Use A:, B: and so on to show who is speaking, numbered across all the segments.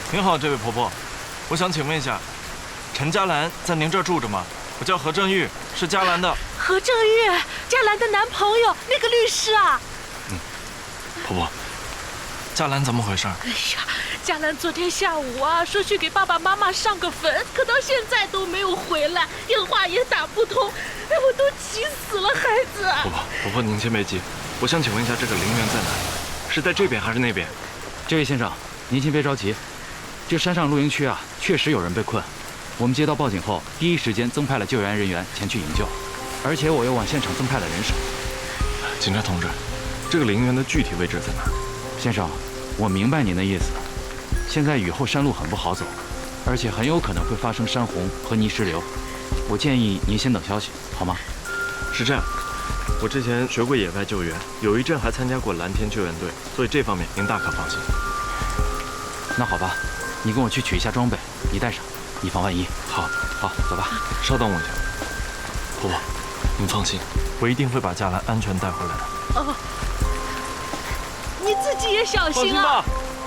A: 您好，这位婆婆，我想请问一下，陈嘉兰在您这儿住着吗？我叫何正玉，是嘉兰的。
B: 何正玉，嘉兰的男朋友，那个律师啊。
A: 婆婆，嘉兰怎么回事？
B: 哎呀，嘉兰昨天下午啊，说去给爸爸妈妈上个坟，可到现在都没有回来，电话也打不通，哎，我都急死了，孩子。
A: 婆婆，您先别急，我想请问一下，这个陵园在哪里？是在这边还是那边？
C: 这位先生，您先别着急，这山上露营区啊，确实有人被困。我们接到报警后，第一时间增派了救援人员前去营救，而且我又往现场增派了人手。
A: 警察同志，这个陵园的具体位置在哪儿？
C: 先生，我明白您的意思。现在雨后山路很不好走，而且很有可能会发生山洪和泥石流。我建议您先等消息，好吗？
A: 是这样，我之前学过野外救援，有一阵还参加过蓝天救援队，所以这方面您大可放心。
C: 那好吧，你跟我去取一下装备，你带上，以防万一。
A: 好，
C: 走吧。
A: 稍等我一下，婆婆，您放心，我一定会把嘉兰安全带回来的。
B: 哦，你自己也小心啊。
A: 放心吧。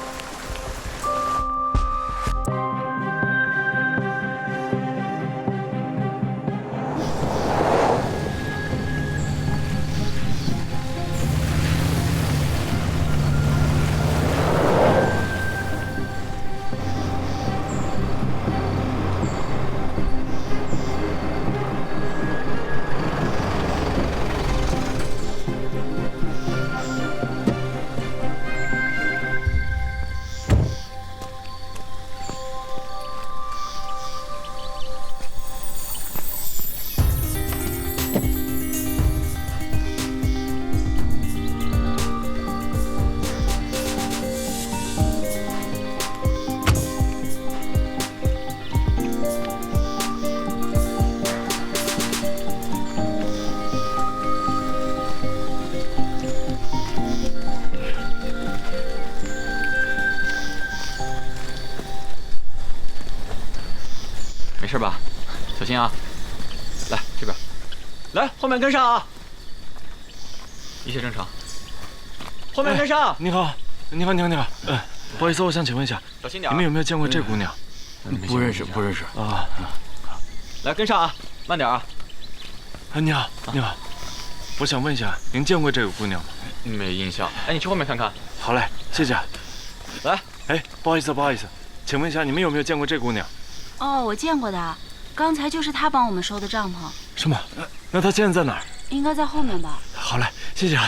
C: 没事吧？小心啊！来这边，来后面跟上啊！一切正常。后面跟上。
A: 你好。不好意思，我想请问一下，
C: 小心点。
A: 你们有没有见过这姑娘？
C: 不认识啊。来跟上啊，慢点啊。
A: 你好。我想问一下，您见过这个姑娘吗？
C: 没印象。哎，你去后面看看。
A: 好嘞，谢谢。
C: 来，
A: 不好意思，请问一下，你们有没有见过这姑娘？
D: 哦，我见过的，刚才就是他帮我们收的帐篷。
A: 是吗？那她现在在哪儿？
D: 应该在后面吧。
A: 好嘞，谢谢。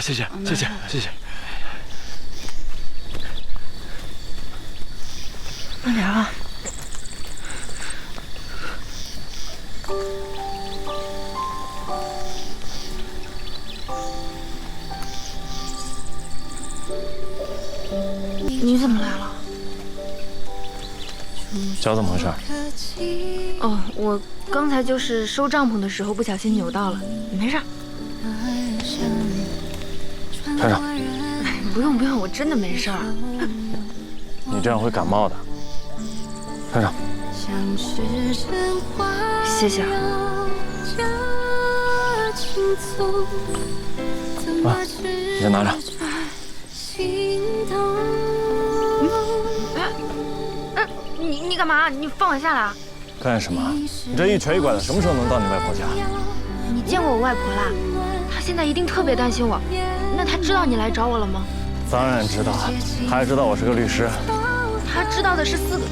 B: 慢点啊。
D: 你怎么来了？
A: 脚怎么回事？
D: 哦，我刚才就是收帐篷的时候不小心扭到了，没事。
A: 团长，
D: 不用，我真的没事儿。
A: 你这样会感冒的。团长，
D: 谢谢啊。
A: 你先拿着。
D: 你干嘛？你放我下来啊！
A: 干什么？你这一瘸一拐的，什么时候能到你外婆家？
D: 你见过我外婆啦？她现在一定特别担心我。那她知道你来找我了吗？
A: 当然知道，她还知道我是个律师。
D: 她知道的是4个。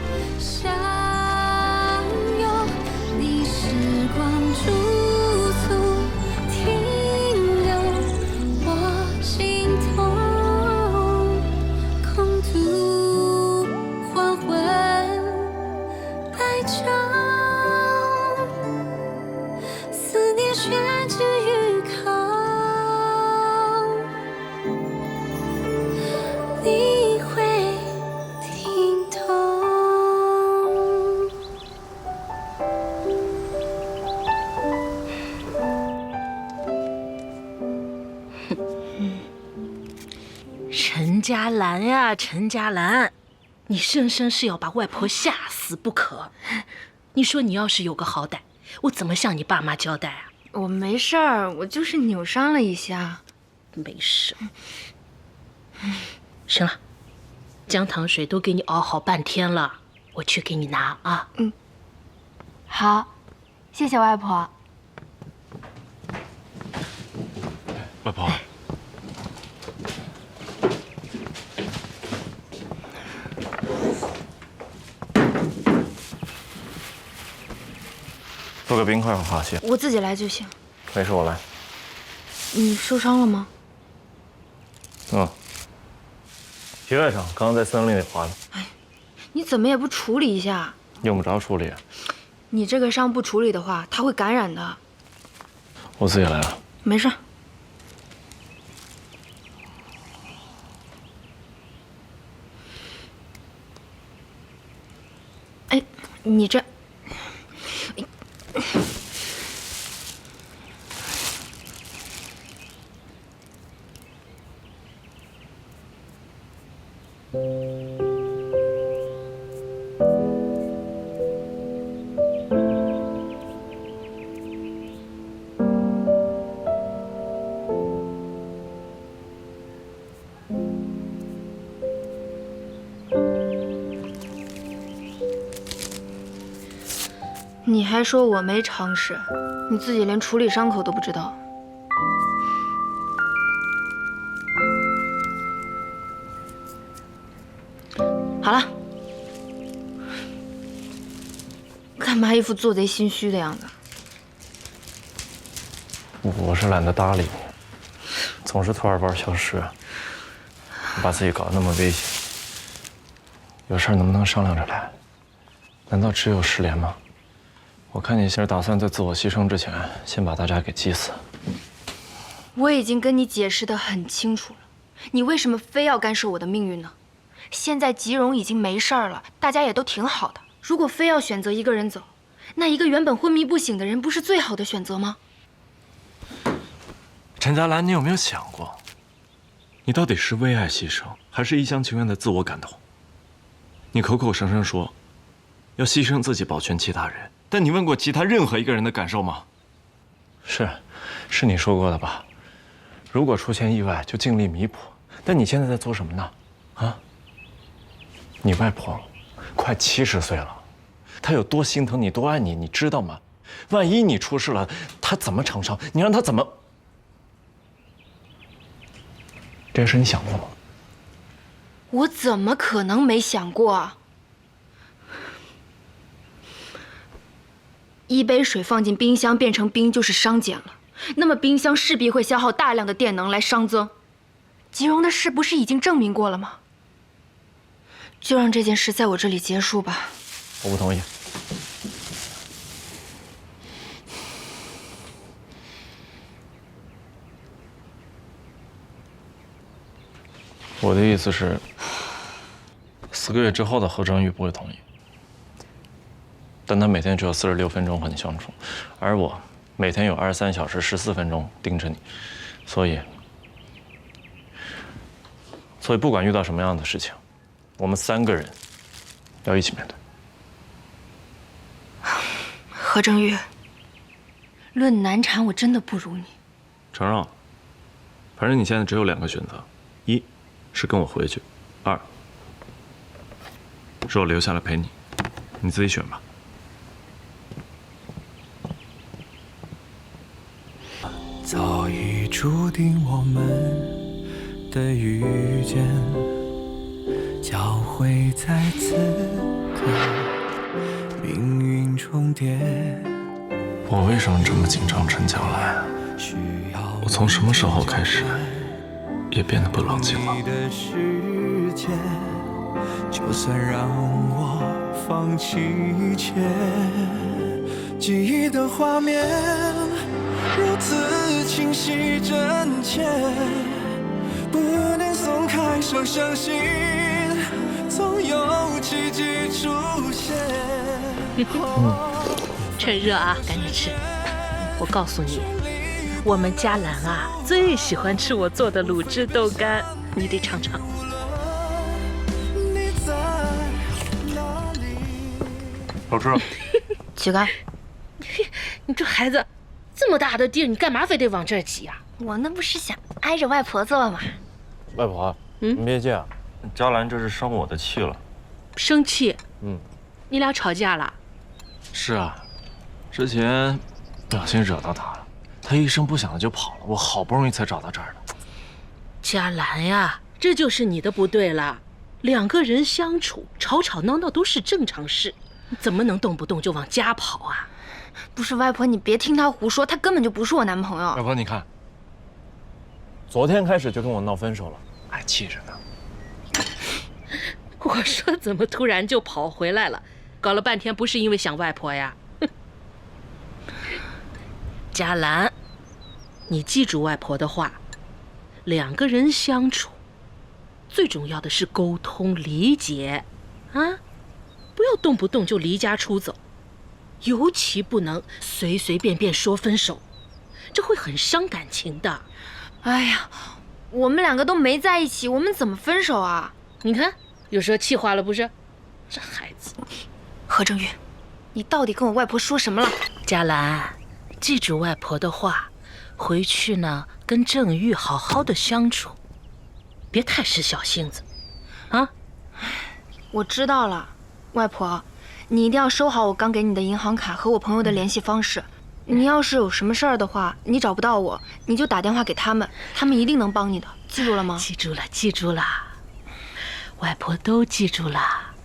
B: 陈嘉兰呀，陈嘉兰，你生生是要把外婆吓死不可。你说你要是有个好歹，我怎么向你爸妈交代啊？
D: 我没事儿，我就是扭伤了一下。
B: 没事。行了， 姜糖水都给你熬好半天了，我去给你拿啊。
D: 好，谢谢外婆。
A: 外婆，做个冰块和滑蟹。
D: 我自己来就行。
A: 没事，我来。
D: 你受伤了吗？
A: 皮外伤，刚刚在森林里滑的。
D: 你怎么也不处理一下？
A: 用不着处理，
D: 你这个伤不处理的话，它会感染的。
A: 我自己来了。
D: 没事。哎，你这……你还说我没常识，你自己连处理伤口都不知道。好了，干嘛一副做贼心虚的样子？
A: 我是懒得搭理你，总是突然间消失，把自己搞得那么危险。有事能不能商量着来？难道只有失联吗？我看你是打算在自我牺牲之前，先把大家给击死。
D: 我已经跟你解释得很清楚了，你为什么非要干涉我的命运呢？现在吉荣已经没事儿了，大家也都挺好的。如果非要选择一个人走，那一个原本昏迷不醒的人不是最好的选择吗？
A: 陈佳兰，你有没有想过，你到底是为爱牺牲，还是一厢情愿的自我感动？你口口声声说要牺牲自己保全其他人，但你问过其他任何一个人的感受吗？是你说过的吧？如果出现意外，就尽力弥补。但你现在在做什么呢？啊？你外婆快70岁了，她有多心疼你，多爱你，你知道吗？万一你出事了，她怎么承受？你让她怎么？这事你想过吗？
D: 我怎么可能没想过啊？一杯水放进冰箱变成冰就是熵减了，那么冰箱势必会消耗大量的电能来熵增。吉荣的事不是已经证明过了吗？就让这件事在我这里结束吧。
A: 我不同意。我的意思是，4个月之后的何正玉不会同意，但他每天只有46分钟和你相处，而我每天有23小时14分钟盯着你，所以不管遇到什么样的事情，我们3个人要一起面对。
D: 何正玉，论难产，我真的不如你。
A: 承认，反正你现在只有2个选择：一是跟我回去，2是我留下来陪你，你自己选吧。
E: 早已注定我们的遇见，交汇在此刻，命运重叠。
A: 我为什么这么紧张陈佳兰？我从什么时候开始也变得不冷静了？
E: 就算让我放弃一切，记忆的画面如此清晰真切，不能松开手，相信总有奇迹出现。
B: 趁热啊，赶紧吃。我告诉你，我们佳兰啊最喜欢吃我做的卤汁豆干，你得尝尝。
A: 好吃。
D: 乞丐，
B: 你这孩子，这么大的地儿，你干嘛非得往这儿挤呀？
D: 我那不是想挨着外婆坐吗？
A: 外婆，你别介啊， 嘉兰这是生我的气了。
B: 生气？
A: 嗯，
B: 你俩吵架了？
A: 是啊，之前不小心惹到他了，他一声不响的就跑了，我好不容易才找到这儿的。
B: 嘉兰呀，这就是你的不对了。两个人相处，吵吵闹闹都是正常事，怎么能动不动就往家跑啊？
D: 不是外婆，你别听他胡说，他根本就不是我男朋友。
A: 外婆，你看，昨天开始就跟我闹分手了，还气着呢。
B: 我说怎么突然就跑回来了？搞了半天不是因为想外婆呀？嘉兰，你记住外婆的话，两个人相处，最重要的是沟通理解，啊，不要动不动就离家出走，尤其不能随随便便说分手，这会很伤感情的。
D: 哎呀，我们两个都没在一起，我们怎么分手啊？
B: 你看，又说气话了不是？这孩子。
D: 何正玉，你到底跟我外婆说什么了？
B: 嘉兰，记住外婆的话，回去呢跟郑玉好好的相处，别太使小性子，啊！
D: 我知道了，外婆，你一定要收好我刚给你的银行卡和我朋友的联系方式。你要是有什么事儿的话，你找不到我，你就打电话给他们，他们一定能帮你的，记住了吗？
B: 记住了，记住了，外婆都记住了。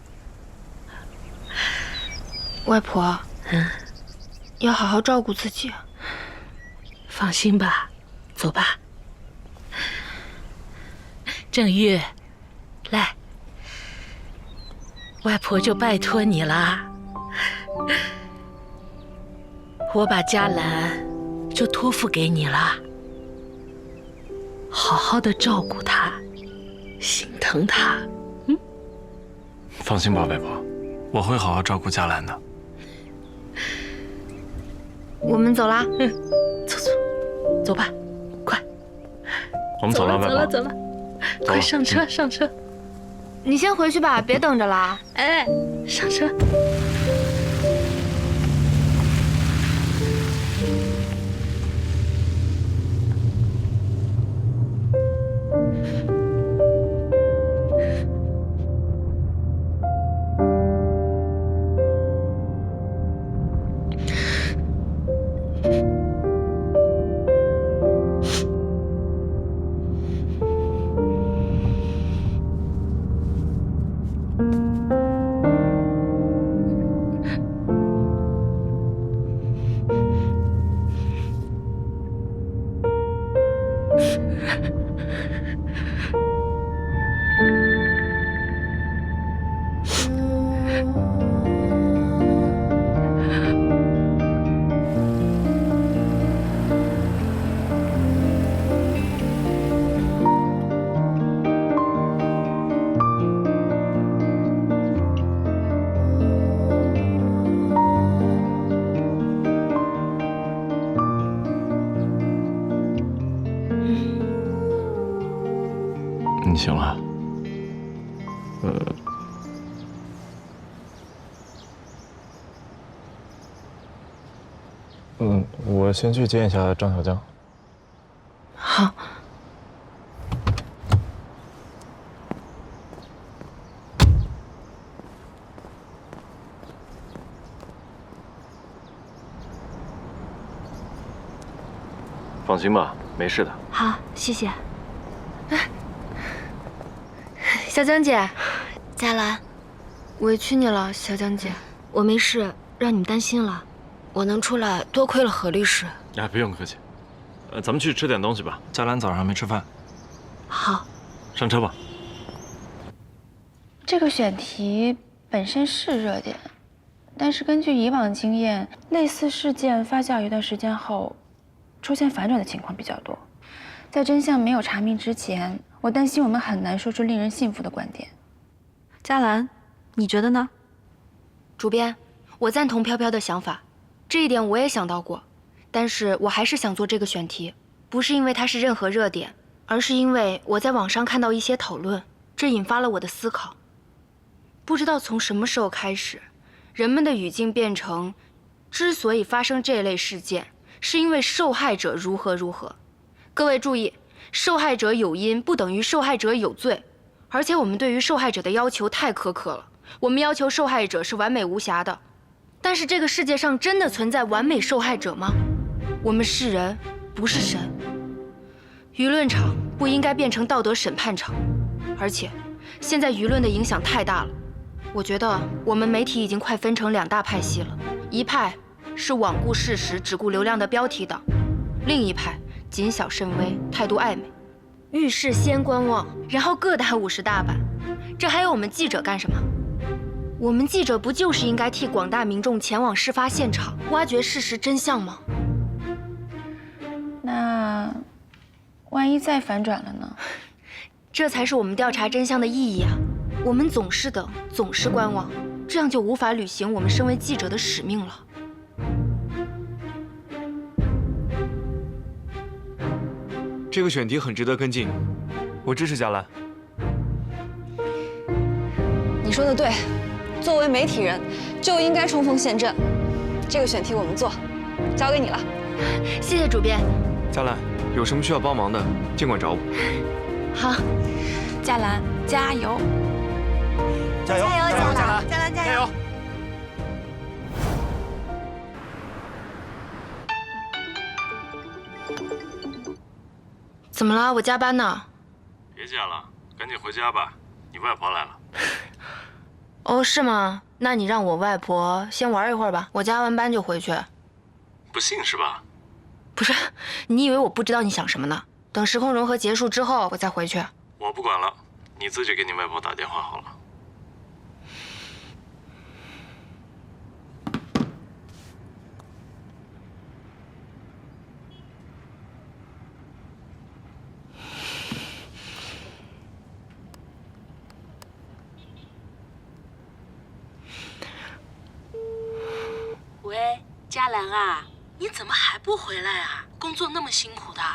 D: 外婆，要好好照顾自己。
B: 放心吧，走吧。郑玉，来，外婆就拜托你了。我把嘉兰就托付给你了，好好的照顾她，心疼她。
A: 放心吧，外婆，我会好好照顾嘉兰的。
D: 我们走啦。
B: 走走，走吧，快。
A: 我们走了，外婆。
B: 走了，快上车，上车。
D: 你先回去吧，别等着了。
B: 哎，上车。
A: 你醒了？我先去见一下张小江。
B: 好。
A: 放心吧，没事的。
D: 好，谢谢。小江姐，
F: 嘉兰，
D: 委屈你了，小江姐。
F: 我没事，让你们担心了。我能出来，多亏了何律师。
A: 哎，不用客气。咱们去吃点东西吧。嘉兰早上还没吃饭。
B: 好，
A: 上车吧。
G: 这个选题本身是热点，但是根据以往经验，类似事件发酵一段时间后，出现反转的情况比较多。在真相没有查明之前，我担心我们很难说出令人信服的观点。
F: 嘉兰，你觉得呢？
D: 主编，我赞同飘飘的想法，这一点我也想到过，但是我还是想做这个选题，不是因为它是任何热点，而是因为我在网上看到一些讨论，这引发了我的思考。不知道从什么时候开始，人们的语境变成，之所以发生这类事件，是因为受害者如何如何。各位注意，受害者有因不等于受害者有罪， 而且我们对于受害者的要求太苛刻了，我们要求受害者是完美无瑕的。但是这个世界上真的存在完美受害者吗？我们是人，不是神。舆论场不应该变成道德审判场，而且现在舆论的影响太大了。我觉得我们媒体已经快分成2大派系了，一派是罔顾事实、只顾流量的标题党，另一派谨小慎微，态度暧昧。遇事先观望，然后各打50大板。这还有我们记者干什么？我们记者不就是应该替广大民众前往事发现场，挖掘事实真相吗？
G: 那万一再反转了呢？
D: 这才是我们调查真相的意义啊！我们总是等，总是观望，这样就无法履行我们身为记者的使命了。
H: 这个选题很值得跟进，我支持佳兰。
I: 你说的对，作为媒体人就应该冲锋陷阵。这个选题我们做，交给你了。
D: 谢谢主编。
H: 佳兰，有什么需要帮忙的，尽管找我。
D: 好，
G: 佳兰加油！
H: 加油！加油！佳兰！
G: 佳兰
H: 加油！
D: 怎么了？我加班呢。
A: 别加了，赶紧回家吧，你外婆来了。
D: 哦，是吗？那你让我外婆先玩一会儿吧，我加完班就回去。
A: 不信是吧？
D: 不是，你以为我不知道你想什么呢？等时空融合结束之后，我再回去。
A: 我不管了，你自己给你外婆打电话好了。
B: 喂，佳兰啊，你怎么还不回来啊？工作那么辛苦的。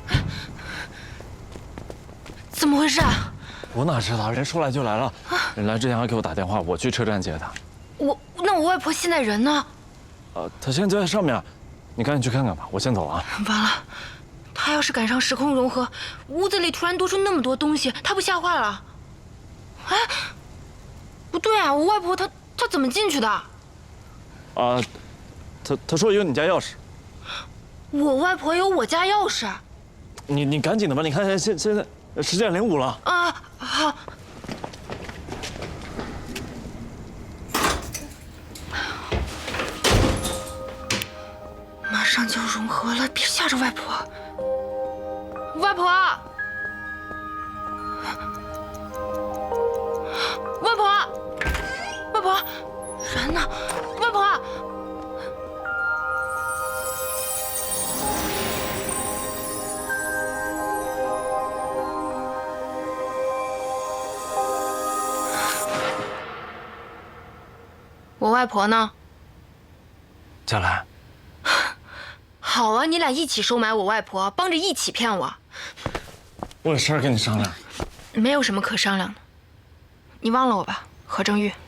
D: 怎么回事啊？
A: 我哪知道，人说来就来了。人来之前还给我打电话，我去车站接他。
D: 那我外婆现在人呢？
A: 他现在在上面，你赶紧去看看吧。我先走了啊。
D: 完了，她要是赶上时空融合，屋子里突然多出那么多东西，她不吓坏了？哎，不对啊，我外婆她怎么进去的？
A: 他说有你家钥匙。
D: 我外婆有我家钥匙。
A: 你赶紧的吧，你看现在10点05了。
D: 啊，好。马上就融合了，别吓着外婆。外婆，外婆，外婆，人呢？外婆。我外婆呢？
A: 佳兰，
D: 好啊，你俩一起收买我外婆，帮着一起骗我。
A: 我有事儿跟你商量。
D: 没有什么可商量的，你忘了我吧，何正玉。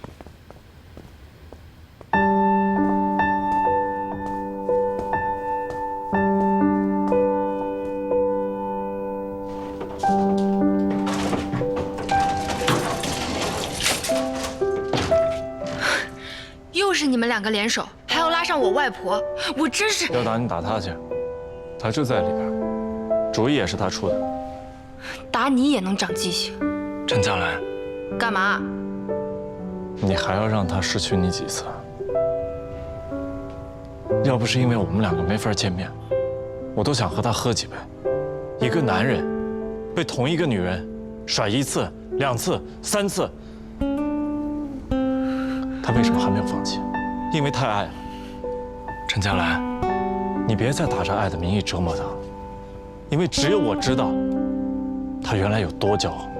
D: 又是你们2个联手，还要拉上我外婆，我真是……
A: 要打你打他去，他就在里边，主意也是他出的。
D: 打你也能长记性？
A: 陈佳兰，
D: 干嘛？
A: 你还要让他失去你几次？要不是因为我们2个没法见面，我都想和他喝几杯。一个男人被同一个女人甩1次、2次、3次。他为什么还没有放弃？因为太爱了。陈佳兰，你别再打着爱的名义折磨他了，因为只有我知道他原来有多骄傲。